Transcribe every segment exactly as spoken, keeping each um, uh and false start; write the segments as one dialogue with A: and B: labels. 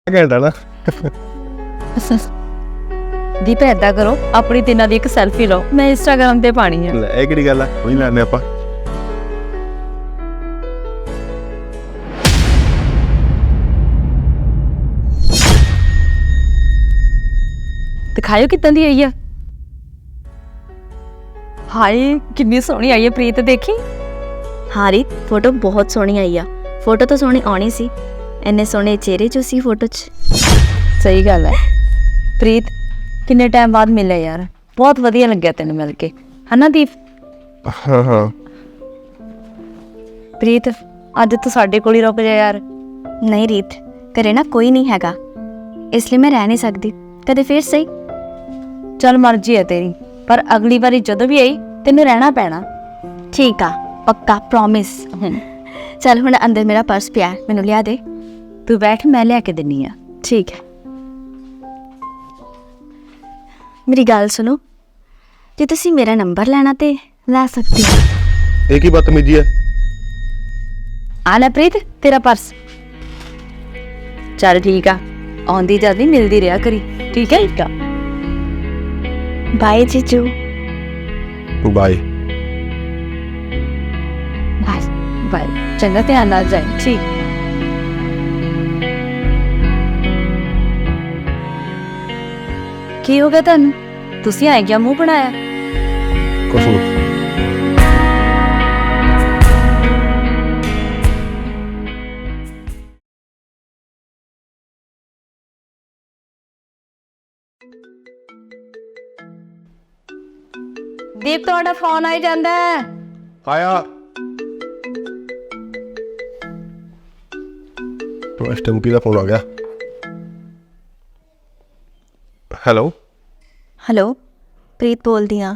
A: ਘੰਟਾ ਨਾ
B: ਦੀਪ ਏਦਾਂ ਕਰੋ, ਆਪਣੀ ਤਿੰਨਾਂ ਦੀ ਇੱਕ ਸੈਲਫੀ ਲਓ, ਮੈਂ ਇੰਸਟਾਗ੍ਰਾਮ ਤੇ ਪਾਣੀ ਹੈ।
A: ਲੈ ਇਹ ਕਿਹੜੀ ਗੱਲ ਆ, ਉਹੀ ਲੈਣੇ ਆਪਾਂ।
B: ਦਿਖਾਇਓ ਕਿੱਦਾਂ ਦੀ ਆਈ ਆ। ਹਾਏ ਕਿੰਨੀ ਸੋਹਣੀ ਆਈ ਹੈ ਪ੍ਰੀਤ, ਦੇਖੀ।
C: ਹਾਂ ਰੀਤ, ਫੋਟੋ ਬਹੁਤ ਸੋਹਣੀ ਆਈ ਆ। ਫੋਟੋ ਤਾਂ ਸੋਹਣੀ ਆਉਣੀ ਸੀ, ਇੰਨੇ ਸੋਹਣੇ ਚਿਹਰੇ 'ਚ ਸੀ ਫੋਟੋ 'ਚ।
B: ਸਹੀ ਗੱਲ ਹੈ ਪ੍ਰੀਤ, ਕਿੰਨੇ ਟਾਈਮ ਬਾਅਦ ਮਿਲਿਆ ਯਾਰ, ਬਹੁਤ ਵਧੀਆ ਲੱਗਿਆ ਤੈਨੂੰ ਮਿਲ ਕੇ, ਹਨਾ ਦੀਪ।
A: ਹਾਂ ਹਾਂ
B: ਪ੍ਰੀਤ ਅੱਜ ਤੂੰ ਸਾਡੇ ਕੋਲ ਹੀ ਰੁਕ ਜਾ ਯਾਰ।
C: ਨਹੀਂ ਰੀਤ, ਘਰੇ ਨਾ ਕੋਈ ਨਹੀਂ ਹੈਗਾ, ਇਸ ਲਈ ਮੈਂ ਰਹਿ ਨਹੀਂ ਸਕਦੀ। ਕਦੇ ਫੇਰ ਸਹੀ।
B: ਚੱਲ ਮਰਜ਼ੀ ਹੈ ਤੇਰੀ, ਪਰ ਅਗਲੀ ਵਾਰੀ ਜਦੋਂ ਵੀ ਆਈ ਤੈਨੂੰ ਰਹਿਣਾ ਪੈਣਾ।
C: ਠੀਕ ਆ, ਪੱਕਾ, ਪ੍ਰੋਮਿਸ। ਚੱਲ ਹੁਣ ਅੰਦਰ ਮੇਰਾ ਪਰਸ ਪਿਆ, ਮੈਨੂੰ ਲਿਆ ਦੇ।
B: ਤੂੰ ਬੈਠ, ਮੈਂ ਲਿਆ ਕੇ ਦਿੰਨੀ ਆ।
C: ਠੀਕ ਹੈ। ਮੇਰੀ ਗੱਲ ਸੁਣੋ, ਜੇ ਤੁਸੀਂ ਮੇਰਾ ਨੰਬਰ ਲੈਣਾ ਤੇ ਲੈ ਸਕਦੇ ਹੋ।
A: ਇਹ ਕੀ ਬਦਤਮੀਜੀ ਹੈ।
B: ਆ ਲੈ ਪ੍ਰੀਤ ਤੇਰਾ ਪਰਸ। ਚੱਲ ਠੀਕ ਆ, ਆਉਂਦੀ ਜਾਂਦੀ ਮਿਲਦੀ ਰਿਹਾ ਕਰੀ, ਠੀਕ ਹੈ। ਇੱਕ
C: ਬਾਏ ਜੀਜੂ।
A: ਬਾਏ
C: ਬਾਏ
B: ਬਾਏ, ਚੰਗਾ ਧਿਆਨ ਨਾਲ ਜਾਏ। ਠੀਕ। ਕੀ ਹੋ ਗਿਆ ਤੁਹਾਨੂੰ? ਤੁਸੀਂ ਆਏ ਕਿਆ ਮੂੰਹ ਬਣਾਇਆ?
A: ਕੁਛ ਨੀ।
B: ਦੀਪ ਤੁਹਾਡਾ ਫੋਨ ਆਈ ਜਾਂਦਾ ਹੈ।
A: ਆਇਆ तो इस टाइम की फोन आ गया। हेलो
C: ਹੈਲੋ, ਪ੍ਰੀਤ ਬੋਲਦੀ ਹਾਂ।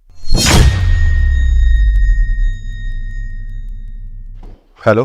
A: ਹੈਲੋ,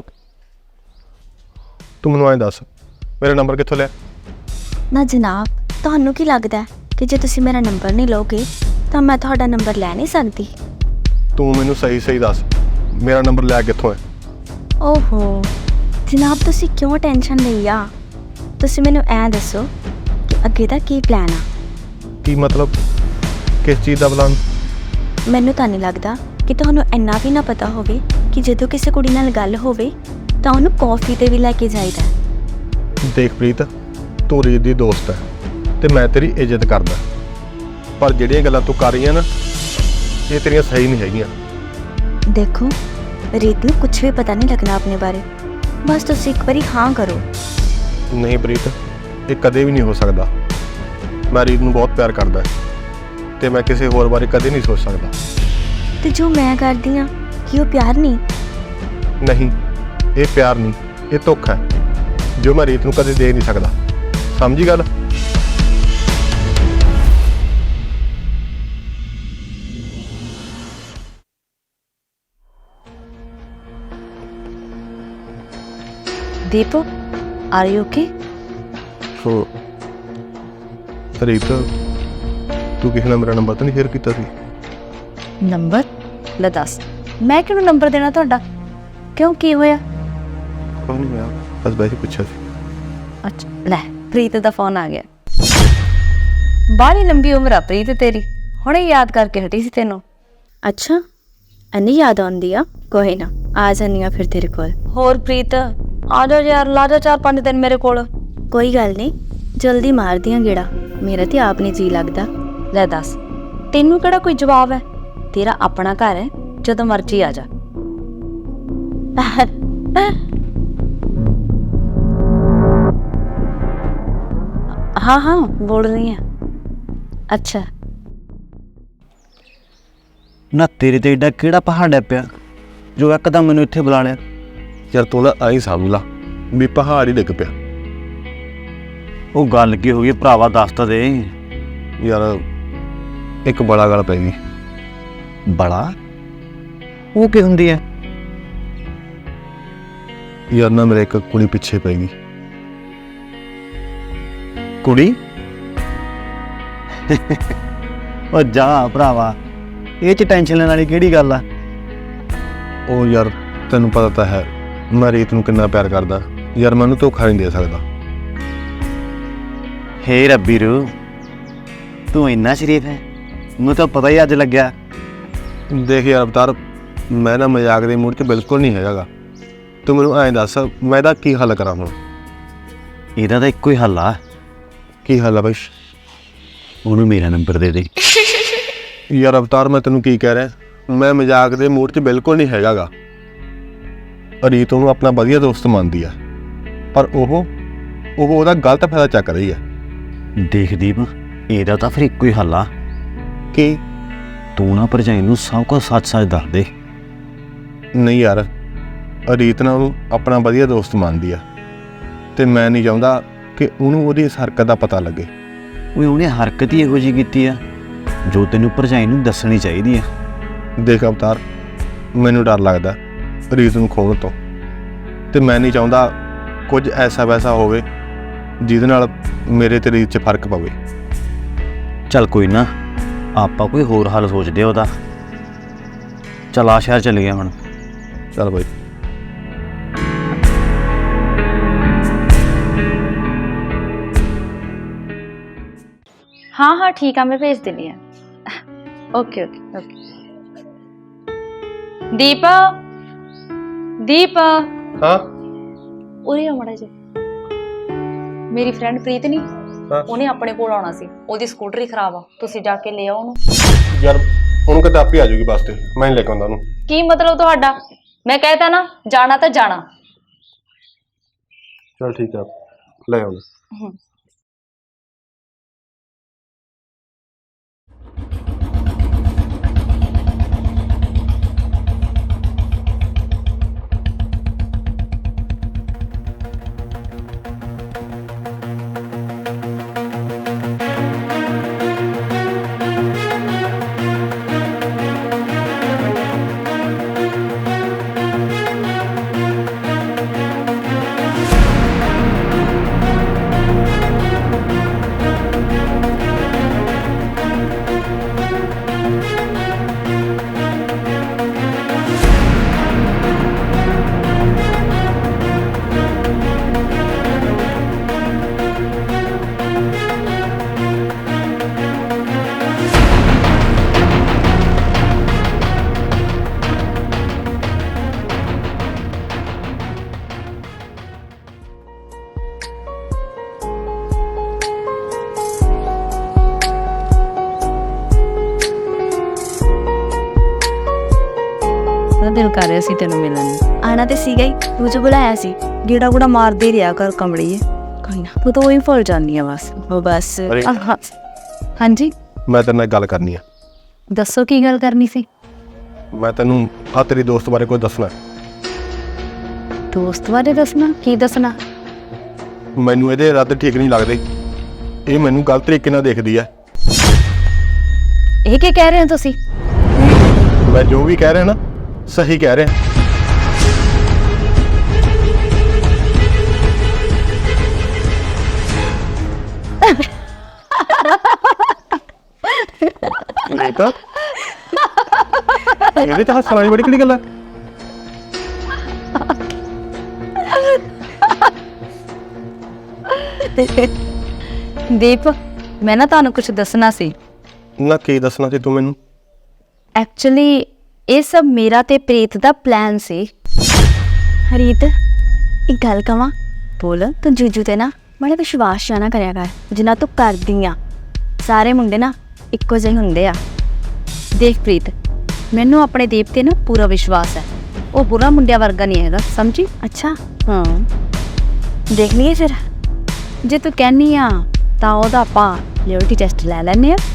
A: ਤੂੰ ਮੈਨੂੰ ਐਂ ਦੱਸ ਮੇਰਾ ਨੰਬਰ ਕਿੱਥੋਂ ਲਿਆ?
C: ਨਾ ਜਨਾਬ, ਤੁਹਾਨੂੰ ਕੀ ਲੱਗਦਾ ਹੈ ਕਿ ਜੇ ਤੁਸੀਂ ਮੇਰਾ ਨੰਬਰ ਨਹੀਂ ਲਓਗੇ ਤਾਂ ਮੈਂ ਤੁਹਾਡਾ ਨੰਬਰ ਲੈ ਨਹੀਂ ਸਕਦੀ?
A: ਤੂੰ ਮੈਨੂੰ ਸਹੀ ਸਹੀ ਦੱਸ ਮੇਰਾ ਨੰਬਰ ਲਿਆ ਕਿੱਥੋਂ ਹੈ?
C: ਓਹੋ ਜਨਾਬ, ਤੁਸੀਂ ਕਿਉਂ ਟੈਨਸ਼ਨ ਲਈ ਆ? ਤੁਸੀਂ ਮੈਨੂੰ ਐਂ ਦੱਸੋ ਕਿ ਅੱਗੇ ਦਾ ਕੀ ਪਲਾਨ ਆ?
A: ਕੀ ਮਤਲਬ, ਕਿਸ ਚੀਜ਼ ਦਾ ਪਲਾਨ?
C: ਮੈਨੂੰ ਤਾਂ ਨਹੀਂ ਲੱਗਦਾ ਕਿ ਤੁਹਾਨੂੰ ਇੰਨਾ ਵੀ ਨਾ ਪਤਾ ਹੋਵੇ ਕਿ ਜਦੋਂ ਕਿਸੇ ਕੁੜੀ ਨਾਲ ਗੱਲ ਹੋਵੇ ਤਾਂ ਉਹਨੂੰ ਕੌਫੀ 'ਤੇ ਵੀ ਲੈ ਕੇ ਜਾਈਦਾ।
A: ਦੇਖ ਪ੍ਰੀਤ, ਤੂੰ ਰੀਤ ਦੀ ਦੋਸਤ ਹੈ ਤੇ ਮੈਂ ਤੇਰੀ ਇੱਜ਼ਤ ਕਰਦਾ, ਪਰ ਜਿਹੜੀਆਂ ਗੱਲਾਂ ਤੂੰ ਕਰ ਰਹੀ ਹੈ ਨਾ, ਇਹ ਤੇਰੀਆਂ ਸਹੀ ਨਹੀਂ ਹੈਗੀਆਂ।
C: ਦੇਖੋ, ਰੀਤ ਨੂੰ ਕੁਝ ਵੀ ਪਤਾ ਨਹੀਂ ਲੱਗਣਾ ਆਪਣੇ ਬਾਰੇ, ਬਸ ਤੁਸੀਂ ਇੱਕ ਵਾਰੀ ਹਾਂ ਕਰੋ।
A: ਨਹੀਂ ਪ੍ਰੀਤ, ਇਹ ਕਦੇ ਵੀ ਨਹੀਂ ਹੋ ਸਕਦਾ। ਮੈਂ ਰੀਤ ਨੂੰ ਬਹੁਤ ਪਿਆਰ ਕਰਦਾ ਤੇ ਮੈਂ ਕਿਸੇ ਹੋਰ ਬਾਰੇ ਕਦੇ ਨਹੀਂ ਸੋਚ ਸਕਦਾ।
C: ਤੇ ਜੋ ਮੈਂ ਕਰਦੀ ਹਾਂ ਕੀ ਉਹ ਪਿਆਰ ਨਹੀਂ?
A: ਨਹੀਂ, ਇਹ ਪਿਆਰ ਨਹੀਂ, ਇਹ ਧੋਖਾ ਹੈ ਜੋ ਮੈਂ ਰੀਤ ਨੂੰ ਕਦੇ ਦੇ ਨਹੀਂ ਸਕਦਾ। ਸਮਝੀ ਗੱਲ?
B: Deep are you okay?
A: So Reet, ਤੂੰ ਕਿਸੇ ਨਾਲ ਮੇਰਾ ਨੰਬਰ ਤਾਂ ਨਹੀਂ ਸ਼ੇਅਰ ਕੀਤਾ ਸੀ?
B: ਨੰਬਰ? ਲੈ ਦੱਸ, ਮੈਂ ਕਿਹਨੂੰ ਨੰਬਰ ਦੇਣਾ ਤੁਹਾਡਾ? ਕਿਉਂ, ਕੀ ਹੋਇਆ?
A: ਕੋਈ ਨਹੀਂ, ਮੈਂ ਬਸ ਵੈਸੇ ਪੁੱਛਿਆ ਸੀ।
B: ਅੱਛਾ ਲੈ, ਪ੍ਰੀਤ ਦਾ ਫੋਨ ਆ ਗਿਆ। ਬਾਹਲੀ ਲੰਬੀ ਉਮਰ ਆ ਪ੍ਰੀਤ ਤੇਰੀ, ਹੁਣੇ ਯਾਦ ਕਰਕੇ ਹਟੀ ਸੀ ਤੈਨੂੰ।
C: ਅੱਛਾ, ਇੰਨੀ ਯਾਦ ਆਉਂਦੀ ਆ? ਕੋਈ ਨਾ, ਆ ਜਾਂਦੀ ਆ ਫਿਰ ਤੇਰੇ ਕੋਲ।
B: ਹੋਰ ਪ੍ਰੀਤ ਆ ਜਾ ਯਾਰ, ਲਾ ਜਾ ਚਾਰ ਪੰਜ ਦਿਨ ਮੇਰੇ ਕੋਲ।
C: ਕੋਈ ਗੱਲ ਨਹੀਂ, ਜਲਦੀ ਮਾਰਦੀ ਆ ਗੇੜਾ, ਮੇਰਾ ਤੇ ਆਪ ਨਹੀਂ ਜੀ ਲੱਗਦਾ।
B: ਲੈ ਦੱਸ, ਤੈਨੂੰ ਕਿਹੜਾ ਕੋਈ ਜਵਾਬ ਹੈ? ਤੇਰਾ ਆਪਣਾ ਘਰ ਹੈ, ਜਦੋਂ ਮਰਜ਼ੀ ਆ ਜਾ। ਹਾਂ ਹਾਂ ਬੋਲ ਰਹੀ ਹਾਂ। ਅੱਛਾ
D: ਨਾ ਤੇਰੇ ਤੇ ਏਡਾ ਕਿਹੜਾ ਪਹਾੜ ਪਿਆ ਜੋ ਇੱਕਦਮ ਮੈਨੂੰ ਇੱਥੇ ਬੁਲਾ ਲਿਆ?
A: ਯਾਰ ਤੂੰ ਨਾ ਆਈ ਸਮਝ ਲਾ ਵੀ ਪਹਾੜ ਹੀ ਡਿੱਗ ਪਿਆ।
D: ਉਹ ਗੱਲ ਕੀ ਹੋ ਗਈ ਭਰਾਵਾ, ਦੱਸ ਤਾਂ ਦੇ।
A: ਯਾਰ ਇੱਕ ਬੜਾ ਗੱਲ ਪੈ ਗਈ।
D: ਬੜਾ? ਉਹ ਕੀ ਹੁੰਦੀ ਹੈ?
A: ਯਾਰ ਨਾ ਮੇਰੇ ਇੱਕ ਕੁੜੀ ਪਿੱਛੇ ਪੈ ਗਈ।
D: ਕੁੜੀ? ਉਹ ਜਾ ਭਰਾਵਾ, ਇਹ ਚ ਟੈਨਸ਼ਨ ਲੈਣ ਵਾਲੀ ਕਿਹੜੀ ਗੱਲ ਆ?
A: ਉਹ ਯਾਰ ਤੈਨੂੰ ਪਤਾ ਤਾਂ ਹੈ ਮੈਂ ਰੀਤ ਨੂੰ ਕਿੰਨਾ ਪਿਆਰ ਕਰਦਾ, ਯਾਰ ਮੈਂ ਉਹਨੂੰ ਧੋਖਾ ਨਹੀਂ ਦੇ ਸਕਦਾ।
D: ਹੇ ਰੱਬੀ ਰੂ, ਤੂੰ ਇੰਨਾ ਸ਼ਰੀਫ ਹੈ, ਮੈਨੂੰ ਤਾਂ ਪਤਾ ਹੀ ਅੱਜ ਲੱਗਿਆ।
A: ਦੇਖ ਯਾਰ ਅਵਤਾਰ, ਮੈਂ ਨਾ ਮਜ਼ਾਕ ਦੇ ਮੂਡ 'ਚ ਬਿਲਕੁਲ ਨਹੀਂ ਹੈਗਾਗਾ। ਤੂੰ ਮੈਨੂੰ ਐਂ ਦੱਸ, ਮੈਂ ਇਹਦਾ ਕੀ ਹੱਲ ਕਰਾਂ ਹੁਣ?
D: ਇਹਦਾ ਤਾਂ ਇੱਕੋ ਹੀ ਹੱਲ ਆ,
A: ਕੀ ਹੱਲ ਆ ਬਈ?
D: ਉਹਨੂੰ ਮੇਰਾ ਨੰਬਰ ਦੇ ਦੇ।
A: ਯਾਰ ਅਵਤਾਰ, ਮੈਂ ਤੈਨੂੰ ਕੀ ਕਹਿ ਰਿਹਾ, ਮੈਂ ਮਜ਼ਾਕ ਦੇ ਮੂਡ 'ਚ ਬਿਲਕੁਲ ਨਹੀਂ ਹੈਗਾਗਾ। ਰੀਤ ਉਹਨੂੰ ਆਪਣਾ ਵਧੀਆ ਦੋਸਤ ਮੰਨਦੀ ਆ, ਪਰ ਉਹ ਉਹ ਉਹਦਾ ਗਲਤ ਫਾਇਦਾ ਚੱਕ ਰਹੀ ਆ।
D: ਦੇਖ ਦੀਪ, ਇਹਦਾ ਤਾਂ ਫਿਰ ਇੱਕੋ ਹੀ ਹੱਲ ਆ
A: ਕੀ?
D: ਤੂੰ ਨਾ ਭਰਜਾਈ ਨੂੰ ਸਭ ਕੁਝ ਸੱਚ-ਸੱਚ ਦੱਸ ਦੇ।
A: ਨਹੀਂ ਯਾਰ, ਰੀਤ ਨਾ ਉਹਨੂੰ ਆਪਣਾ ਵਧੀਆ ਦੋਸਤ ਮੰਨਦੀ ਆ, ਤੇ ਮੈਂ ਨਹੀਂ ਚਾਹੁੰਦਾ ਕਿ ਉਹਨੂੰ ਉਹਦੀ ਇਸ ਹਰਕਤ ਦਾ ਪਤਾ ਲੱਗੇ।
D: ਉਹ ਉਹਨੇ ਹਰਕਤ ਹੀ ਇਹੋ ਜਿਹੀ ਕੀਤੀ ਆ ਜੋ ਤੈਨੂੰ ਭਰਜਾਈ ਨੂੰ ਦੱਸਣੀ ਚਾਹੀਦੀ ਆ।
A: ਦੇਖ ਅਵਤਾਰ, ਮੈਨੂੰ ਡਰ ਲੱਗਦਾ ਰੀਤ ਨੂੰ ਖੋਹਣ ਤੋਂ, ਤੇ ਮੈਂ ਨਹੀਂ ਚਾਹੁੰਦਾ ਕੁਝ ਐਸਾ ਵੈਸਾ ਹੋਵੇ ਜਿਹਦੇ ਨਾਲ ਮੇਰੇ ਤੇ ਰੀਤ 'ਚ ਫਰਕ ਪਵੇ।
D: ਚੱਲ ਕੋਈ ਨਾ, ਆਪਾਂ ਕੋਈ ਹੋਰ ਹੱਲ ਸੋਚਦੇ ਆ ਉਹਦਾ। ਚੱਲ ਆ ਸ਼ਹਿਰ ਚੱਲ ਗਿਆ ਹੁਣ।
A: ਚੱਲ ਬਾਈ।
B: हाँ हाँ ठीक है, मैं भेज देनी है। Okay okay okay. Deepa Deepa
A: हाँ
B: उरे आ माड़ा जी। मेरी फ्रेंड प्रीत नहीं,
A: हाँ
B: ਉਹਨੇ ਆਪਣੇ ਕੋਲ ਆਉਣਾ ਸੀ, ਉਹਦੀ ਸਕੂਟਰੀ ਖਰਾਬ ਆ, ਤੁਸੀਂ ਜਾ ਕੇ ਲੈ ਆਓ ਉਹਨੂੰ।
A: ਯਾਰ ਉਹਨੂੰ ਕਹਿੰਦਾ ਆਪੇ ਆ ਜਾਊਗੀ ਬੱਸ ਤੇ, ਮੈਂ ਨਹੀਂ ਲੈ ਕੇ ਆਉਂਦਾ ਉਹਨੂੰ।
B: ਕੀ ਮਤਲਬ ਤੁਹਾਡਾ? ਮੈਂ ਕਹਿਤਾ ਨਾ ਜਾਣਾ ਤਾਂ ਜਾਣਾ।
A: ਚਲ ਠੀਕ ਆ, ਲੈ ਆਉਂਦਾ।
B: ਦਿਲ ਕਰ ਰਿਹਾ ਸੀ ਤੈਨੂੰ ਮਿਲਣ ਨੂੰ।
C: ਆਣਾ ਤੇ ਸੀਗਾ ਹੀ, ਤੂੰ ਜੋ ਬੁਲਾਇਆ ਸੀ।
B: ਗੇੜਾ ਗੁੜਾ ਮਾਰਦੇ ਰਿਹਾ ਕਰ ਕਮੜੀਏ।
C: ਕੋਈ ਨਾ,
B: ਤੂੰ ਤਾਂ ਉਹੀ ਭੁੱਲ ਜਾਂਦੀ ਆ ਬਸ।
C: ਉਹ ਬਸ
A: ਅਰੇ
B: ਆਹਾ। ਹਾਂਜੀ
A: ਮੈਂ ਤੇਰੇ ਨਾਲ ਗੱਲ ਕਰਨੀ ਆ।
B: ਦੱਸੋ ਕੀ ਗੱਲ ਕਰਨੀ ਸੀ?
A: ਮੈਂ ਤੈਨੂੰ ਆ ਤੇਰੀ ਦੋਸਤ ਬਾਰੇ ਕੁਝ ਦੱਸਣਾ।
B: ਦੋਸਤ ਬਾਰੇ ਦੱਸਣਾ? ਕੀ ਦੱਸਣਾ?
A: ਮੈਨੂੰ ਇਹਦੇ ਇਰਾਦੇ ਠੀਕ ਨਹੀਂ ਲੱਗਦੇ, ਇਹ ਮੈਨੂੰ ਗਲਤ ਤਰੀਕੇ ਨਾਲ ਦੇਖਦੀ ਆ।
B: ਇਹ ਕੀ ਕਹਿ ਰਹੇ ਹੋ ਤੁਸੀਂ?
A: ਮੈਂ ਜੋ ਵੀ ਕਹਿ ਰਿਹਾ ਨਾ, ਸਹੀ ਕਹਿ ਰਿਹਾ। ਬੇਟਾ ਇਹਦੇ ਤਾਂ ਹੱਸਣ ਵਾਲੀ ਬੜੀ ਕਿਹੜੀ ਗੱਲ ਹੈ?
B: ਦੀਪ, ਮੈਂ ਨਾ ਤੁਹਾਨੂੰ ਕੁਝ ਦੱਸਣਾ ਸੀ।
A: ਨਾ ਕੀ ਦੱਸਣਾ ਸੀ ਤੂੰ ਮੈਨੂੰ?
B: ਐਕਚੁਅਲੀ ਇਹ ਸਭ ਮੇਰਾ ਤੇ ਪ੍ਰੀਤ ਦਾ ਪਲਾਨ ਸੀ।
C: ਹਰੀਤ, ਇੱਕ ਗੱਲ ਕਵਾਂ,
B: ਬੋਲ।
C: ਤੂੰ ਜੀਜੂ ਤੇ ਨਾ ਬੜਾ ਵਿਸ਼ਵਾਸ ਜਾਣਾ ਕਰਿਆ ਕਰ, ਜਿੰਨਾ ਤੂੰ ਕਰਦੀ ਆ। ਸਾਰੇ ਮੁੰਡੇ ਨਾ ਇੱਕੋ ਜਿਹੇ ਹੁੰਦੇ ਆ।
B: ਦੇਖ ਪ੍ਰੀਤ, ਮੈਨੂੰ ਆਪਣੇ ਦੀਪ ਤੇ ਨਾ ਪੂਰਾ ਵਿਸ਼ਵਾਸ ਹੈ। ਉਹ ਬੁਰਾ ਮੁੰਡਿਆਂ ਵਰਗਾ ਨਹੀਂ ਹੈਗਾ, ਸਮਝੀ?
C: ਅੱਛਾ,
B: ਹਾਂ,
C: ਦੇਖ ਲਈਏ ਫਿਰ।
B: ਜੇ ਤੂੰ ਕਹਿਨੀ ਆ ਤਾਂ ਉਹਦਾ ਆਪਾਂ ਲਿਓਰਿਟੀ ਟੈਸਟ ਲੈ ਲੈਂਦੇ ਆ।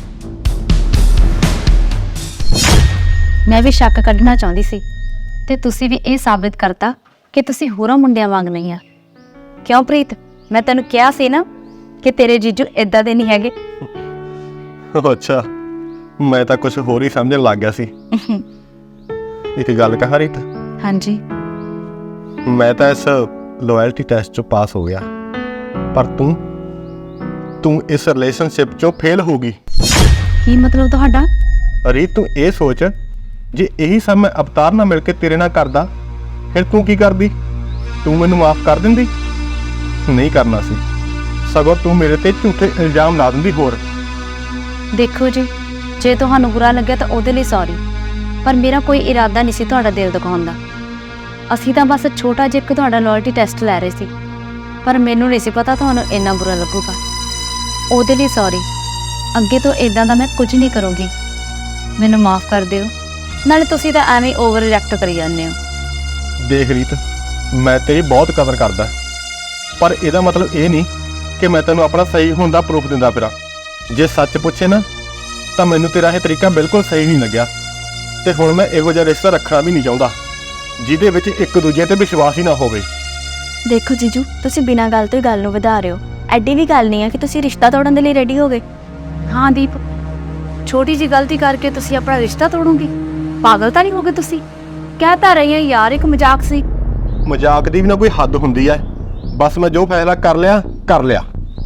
B: ਮੈਂ ਵੀ ਸ਼ੱਕ ਕੱਢਣਾ ਚਾਹੁੰਦੀ ਸੀ, ਤੇ ਤੁਸੀਂ ਵੀ ਇਹ ਸਾਬਿਤ ਕਰਤਾ ਕਿ ਤੁਸੀਂ ਹੋਰਾਂ ਮੁੰਡਿਆਂ ਵਾਂਗ ਨਹੀਂ ਆ। ਕਿਉਂ ਪ੍ਰੀਤ, ਮੈਂ ਤੈਨੂੰ ਕਿਹਾ ਸੀ ਨਾ ਕਿ ਤੇਰੇ ਜੀਜੂ ਇਦਾਂ ਦੇ ਨਹੀਂ ਹੈਗੇ।
A: ਅੱਛਾ, ਮੈਂ ਤਾਂ ਕੁਝ ਹੋਰ ਹੀ ਸਮਝਣ ਲੱਗ ਗਿਆ ਸੀ। ਇੱਕ ਗੱਲ ਕਹਾਂ ਰੀਤ,
B: ਹਾਂਜੀ।
A: ਮੈਂ ਤਾਂ ਇਸ ਲੋਇਲਟੀ ਟੈਸਟ ਚੋਂ ਪਾਸ ਹੋ ਗਿਆ, ਪਰ ਤੂੰ ਤੂੰ ਇਸ ਰਿਲੇਸ਼ਨਸ਼ਿਪ ਚੋਂ ਫੇਲ ਹੋ ਗਈ।
B: ਕੀ ਮਤਲਬ ਤੁਹਾਡਾ?
A: ਰੀਤ, ਤੂੰ ਇਹ ਸੋਚ, ਜੇ ਇਹੀ ਸਭ ਮੈਂ ਅਵਤਾਰ ਨਾਲ ਮਿਲ ਕੇ ਤੇਰੇ ਨਾਲ ਕਰਦਾ, ਫਿਰ ਤੂੰ ਕੀ ਕਰਦੀ? ਤੂੰ ਮੈਨੂੰ ਮਾਫ ਕਰ ਦਿੰਦੀ? ਨਹੀਂ ਕਰਨਾ ਸੀ। ਸਗੋਂ ਤੂੰ ਮੇਰੇ ਤੇ ਝੂਠੇ ਇਲਜ਼ਾਮ ਲਾ ਦਿੰਦੀ ਹੋਰ।
B: ਦੇਖੋ ਜੀ, ਜੇ ਤੁਹਾਨੂੰ ਬੁਰਾ ਲੱਗਿਆ ਤਾਂ ਉਹਦੇ ਲਈ ਸੌਰੀ, ਪਰ ਮੇਰਾ ਕੋਈ ਇਰਾਦਾ ਨਹੀਂ ਸੀ ਤੁਹਾਡਾ ਦਿਲ ਦੁਖਾਉਣ ਦਾ। ਅਸੀਂ ਤਾਂ ਬਸ ਛੋਟਾ ਜਿਹਾ ਇੱਕ ਤੁਹਾਡਾ ਲੋਇਲਟੀ ਟੈਸਟ ਲੈ ਰਹੇ ਸੀ, ਪਰ ਮੈਨੂੰ ਨਹੀਂ ਸੀ ਪਤਾ ਤੁਹਾਨੂੰ ਇੰਨਾ ਬੁਰਾ ਲੱਗੂਗਾ। ਉਹਦੇ ਲਈ ਸੌਰੀ। ਅੱਗੇ ਤੋਂ ਇਦਾਂ ਦਾ ਮੈਂ ਕੁਝ ਨਹੀਂ ਕਰੂੰਗੀ। ਮੈਨੂੰ ਮਾਫ ਕਰ ਦਿਓ। ਨਾਲੇ ਤੁਸੀਂ ਤਾਂ ਐਵੇਂ ਓਵਰ ਰਿਐਕਟ ਕਰੀ ਜਾਂਦੇ ਹੋ।
A: ਦੇਖ ਰੀਤ, ਮੈਂ ਤੇਰੀ ਬਹੁਤ ਕਦਰ ਕਰਦਾ, ਪਰ ਇਹਦਾ ਮਤਲਬ ਇਹ ਨਹੀਂ ਕਿ ਮੈਂ ਤੈਨੂੰ ਆਪਣਾ ਸਹੀ ਹੋਣ ਦਾ ਪ੍ਰੂਫ ਦਿੰਦਾ ਫਿਰਾਂ। ਜੇ ਸੱਚ ਪੁੱਛੇ ਨਾ ਤਾਂ ਮੈਨੂੰ ਤੇਰਾ ਇਹ ਤਰੀਕਾ ਬਿਲਕੁਲ ਸਹੀ ਨਹੀਂ ਲੱਗਿਆ, ਤੇ ਹੁਣ ਮੈਂ ਇਹੋ ਜਿਹਾ ਰਿਸ਼ਤਾ ਰੱਖਣਾ ਵੀ ਨਹੀਂ ਚਾਹੁੰਦਾ ਜਿਹਦੇ ਵਿੱਚ ਇੱਕ ਦੂਜੇ ਤੇ ਵਿਸ਼ਵਾਸ ਹੀ ਨਾ ਹੋਵੇ।
C: ਦੇਖੋ ਜੀਜੂ, ਤੁਸੀਂ ਬਿਨਾਂ ਗੱਲ ਤੋਂ ਹੀ ਗੱਲ ਨੂੰ ਵਧਾ ਰਹੇ ਹੋ। ਐਡੀ ਵੀ ਗੱਲ ਨਹੀਂ ਹੈ ਕਿ ਤੁਸੀਂ ਰਿਸ਼ਤਾ ਤੋੜਨ ਦੇ ਲਈ ਰੈਡੀ ਹੋ ਗਏ।
B: ਹਾਂ ਦੀਪ, ਛੋਟੀ ਜੀ ਗਲਤੀ ਕਰਕੇ ਤੁਸੀਂ ਆਪਣਾ ਰਿਸ਼ਤਾ ਤੋੜੋਗੇ? ਪਾਗਲ ਤਾਂ ਨਹੀਂ ਹੋ ਗਏ ਤੁਸੀਂ? ਕਹਿ ਤਾਂ ਰਹੀ ਹਾਂ ਯਾਰ, ਇੱਕ ਮਜ਼ਾਕ ਸੀ।
A: ਮਜ਼ਾਕ ਦੀ ਵੀ ਨਾ ਕੋਈ ਹੱਦ ਹੁੰਦੀ ਹੈ। ਬਸ ਮੈਂ ਜੋ ਫੈਸਲਾ ਕਰ ਲਿਆ ਕਰ ਲਿਆ।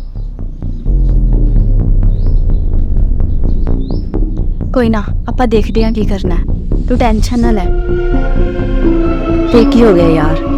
C: ਕੋਈ ਨਾ, ਆਪਾਂ ਦੇਖਦੇ ਹਾਂ ਕੀ ਕਰਨਾ ਹੈ। ਤੂੰ ਟੈਨਸ਼ਨ ਨਾ ਲੈ। ਤੇ ਕੀ ਹੋ ਗਿਆ ਯਾਰ?